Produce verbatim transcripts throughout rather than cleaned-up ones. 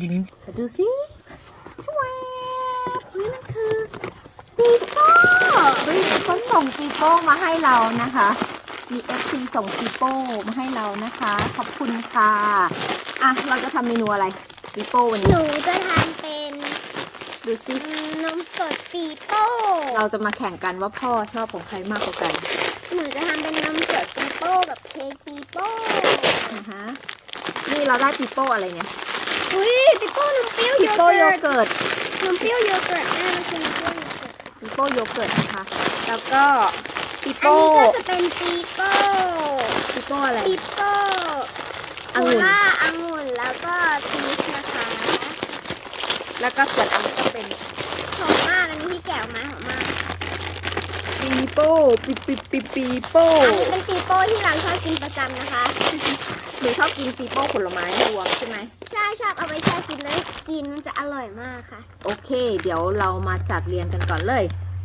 ดูสิช่วยนี่มันคือปีโป้เฮ้ยเขาส่งปีโป้มาให้เรานะคะมี เอฟ ซี ส่งปีโป้มาให้เรานะคะขอบคุณค่ะอ่ะเราจะทำเมนูอะไรปีโป้วันหนี้นูจะทำเป็นดูสินมสดปีโป้เราจะมาแข่งกันว่าพ่อชอบของใครมากกว่ากันหนูจะทำเป็นนมสดปีโป้กับเค้กปีโป้นะคะนี่เราได้ปีโป้อะไรเนี่ยอุ้ยปีโป้นมเปรี้ยวปีโยโป้โยเกิร์ตเกิร์ตนมเปรี้ยวโยเกิร์ตแม่มันคือนมเปรี้ยวโยเกิร์ตปีโป้โยเกิร์ตนะคะแล้วก็ปีอันโป้นี้ก็จะเป็นปีโป้ปีโป้อะไรปีโป้องุ่นโคล่าองุ่นแล้วก็พีชนะคะแล้วก็ส่วนอันนี้ก็เป็นหอมมากอันนี้ที่แกะออกมาหอมมากปีโป้ปีปีปีปีโป้อันนี้เป็นปีโป้ที่เราชอบกินประจำนะคะหนูชอบกินปีโป้ผลไม้รวมใช่ไหมใช่ชอบเอาไปแช่กินเลยกินมันจะอร่อยมากค่ะโอเค เดี๋ยวเรามาจัดเรียงกันก่อนเลย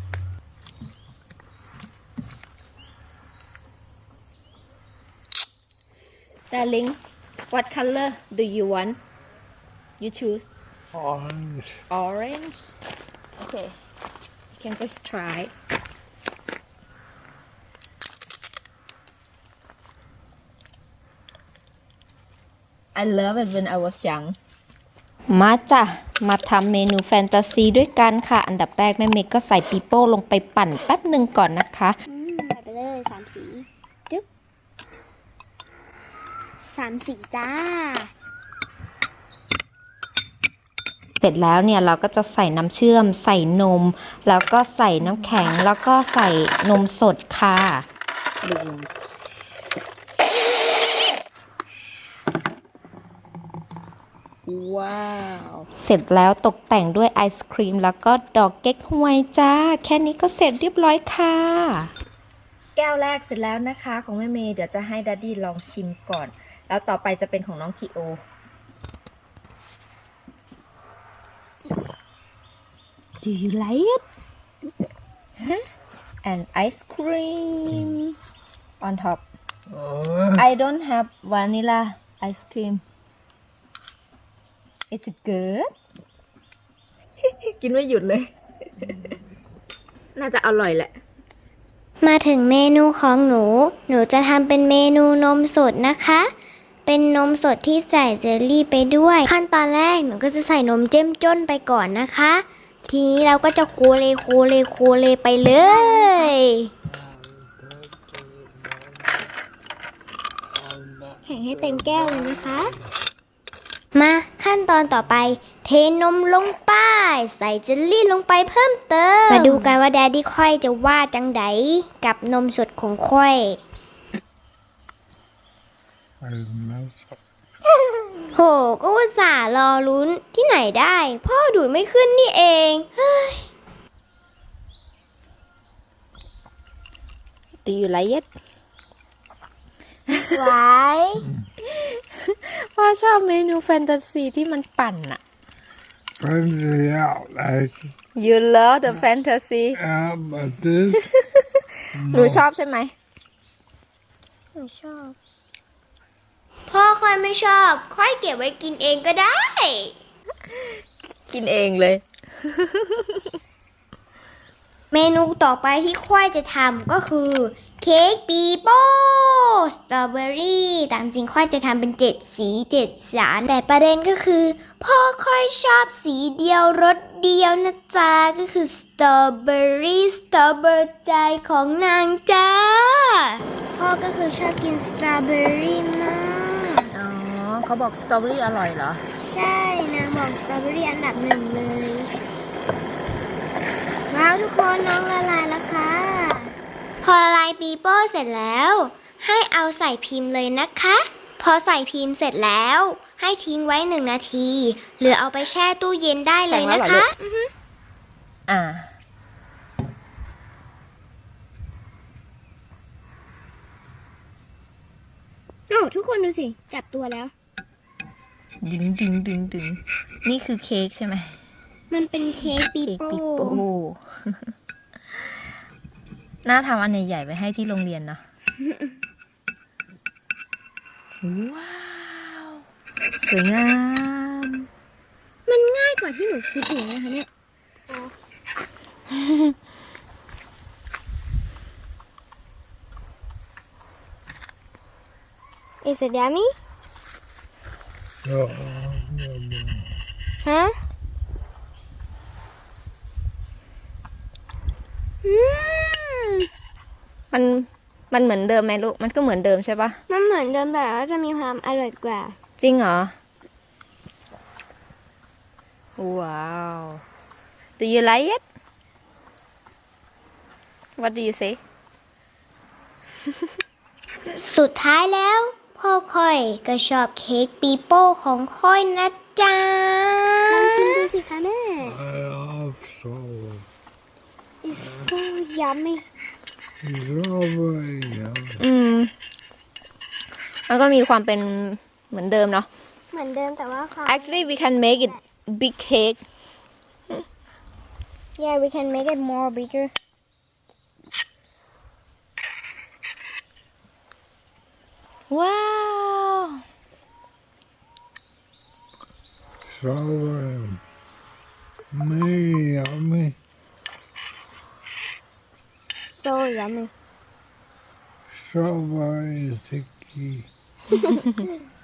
Darling what color do you want you choose Orange. orange okay you can just try I love it when I was young มาจ้ะ มาทำเมนูแฟนตาซีด้วยกันค่ะ อันดับแรกแม่เมย์ก็ใส่ปีโป้ลงไปปั่นแป๊บหนึ่งก่อนนะคะอืมใส่ไปเลยสามสีจึ๊บสามสีจ้าเสร็จแล้วเนี่ยเราก็จะใส่น้ำเชื่อม ใส่นม แล้วก็ใส่น้ำแข็ง แล้วก็ใส่นมสดค่ะว้าว เสร็จแล้วตกแต่งด้วยไอศครีม แล้วก็ดอกเก๊กฮวยจ้า แค่นี้ก็เสร็จเรียบร้อยค่ะ แก้วแรกเสร็จแล้วนะคะของแม่เมย์เดี๋ยวจะให้ดัดดี้ลองชิมก่อน แล้วต่อไปจะเป็นของน้องคิโอDo you like it? And ice cream on top. Oh, I don't have vanilla ice cream. It's good. กินไม่หยุดเลย น่าจะอร่อยแหละมาถึงเมนูของหนู หนูจะทำเป็นเมนูนมสดนะคะ เป็นนมสดที่ใส่เจลลี่ไปด้วย ขั้นตอนแรกหนูก็จะใส่นมเจ้มจ้นไปก่อนนะคะ ทีนี้เราก็จะโคเลโคเลโคเลไปเลย แข่งให้เต็มแก้วเลยนะคะ มาขั้นตอนต่อไป เทนมลงไป ใส่เจลลี่ลงไปเพิ่มเติม มาดูกันว่าแดดดี้ค่อยจะว่าจังไดกับนมสดของค่อย I love it. โห ก็อุตส่าห์รอลุ้นที่ไหนได้ พ่อดูดไม่ขึ้นนี่เองเฮ้ย Do you like it? ไว้พ่อชอบเมนูแฟนตาซีที่มันปั่นอะ Fancy out like You love the fantasy out, but this หนูชอบใช่ไหมหนูชอบ พ่อค่อยไม่ชอบ ค่อยเก็บไว้กินเองก็ได้กินเองเลยเมนูต่อไปที่ค่อยจะทำก็คือเค้กปีโป้สตรอเบอรี่ตามจริงค่อยจะทำเป็นเจ็ดสีเจ็ดสารแต่ประเด็นก็คือ พ่อค่อยชอบสีเดียวรสเดียวนะจ๊ะก็คือสตรอเบอรี่สตรอเบอร์ใจของนางจ้าพ่อก็คือชอบกินสตรอเบอรี่มากอ๋อเขาบอกสตรอเบอรี่อร่อยเหรอใช่นางบอกสตรอเบอรี่อันดับหนึ่งเลยว้าวทุกคนน้องละลายแล้วค่ะพอละลายปีโป้เสร็จแล้ว ให้เอาใส่พิมพ์เลยนะคะ พอใส่พิมพ์เสร็จแล้ว ให้ทิ้งไว้หนึ่งนาที หรือเอาไปแช่ตู้เย็นได้เลยนะคะอ่าโอ้ทุกคนดูสิ จับตัวแล้วดึงดึงดึงดึงนี่คือเค้กใช่ไหมมันเป็นเค้กปีเค้กโป้ปีโป้ น่าทำอันใหญ่ๆไปให้ที่โรงเรียนเนาะ ว้าว สวยงามมันง่ายกว่าที่หนูคิดอีกนะคะเนี่ย Is it yummy? Oh, ฮะอืมมันมันเหมือนเดิมไหมลูก มันก็เหมือนเดิมใช่ปะมันเหมือนเดิมแต่ว่าจะมีความอร่อยกว่าจริงเหรอ ว้าว Do you like it? What do you say? สุดท้ายแล้ว พ่อค่อยก็ชอบเค้กปีโป้ของค่อยนะจ๊ะลองชิมดูสิคะแม่ I love strawberry. It's so yummy Strawberry, yeah. อืม มันก็มีความเป็นเหมือนเดิมเนาะเหมือนเดิมแต่ว่าความ Actually we can make it big cake Yeah we can make it more bigger Wow Strawberry. Me, yummy. so yummy Strawberry sticky.